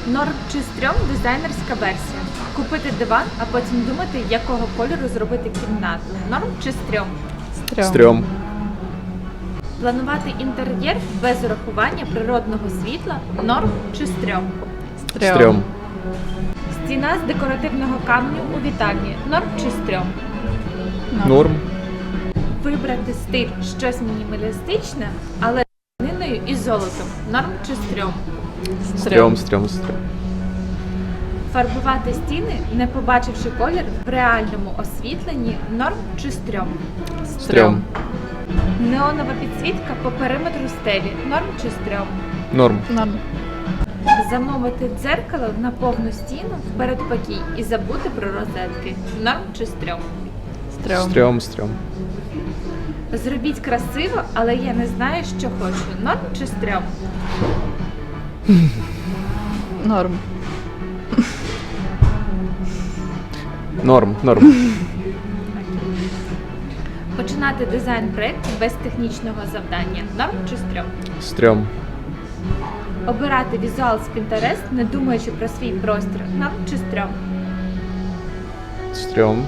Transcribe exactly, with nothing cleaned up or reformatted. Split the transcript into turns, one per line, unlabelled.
Норм чи стрьом дизайнерська версія. Купити диван, а потім думати, якого кольору зробити кімнату. Норм чи стрьом.
Стрьом.
Стрьом.
Планувати інтер'єр без урахування природного світла. Норм чи стрьом.
Стрьом.
Стіна з декоративного каменю у вітальні. Норм чи стрьом.
Норм.
Вибрати стиль щось мінімалістичне, але з тканиною і золотом. Норм чи стрьом.
Стрьом, стрьом, стрьом.
Фарбувати стіни, не побачивши колір в реальному освітленні. Норм чи стрьом.
Стрьом.
Неонова підсвітка по периметру стелі. Норм чи стрьом.
Норм.
Норм.
Замовити дзеркало на повну стіну в передпокій і забути про розетки. Норм чи стрьом.
Стрьом.
Стрьом, стрьом.
Зробіть красиво, але я не знаю, що хочу. Норм чи стрьом.
Норм.
Норм, норм.
Починати дизайн-проєкт без технічного завдання. Норм чи стрьом.
Стрьом.
Обирати візуал з Pinterest, не думаючи про свій простір. Норм чи стрьом.
Стрьом.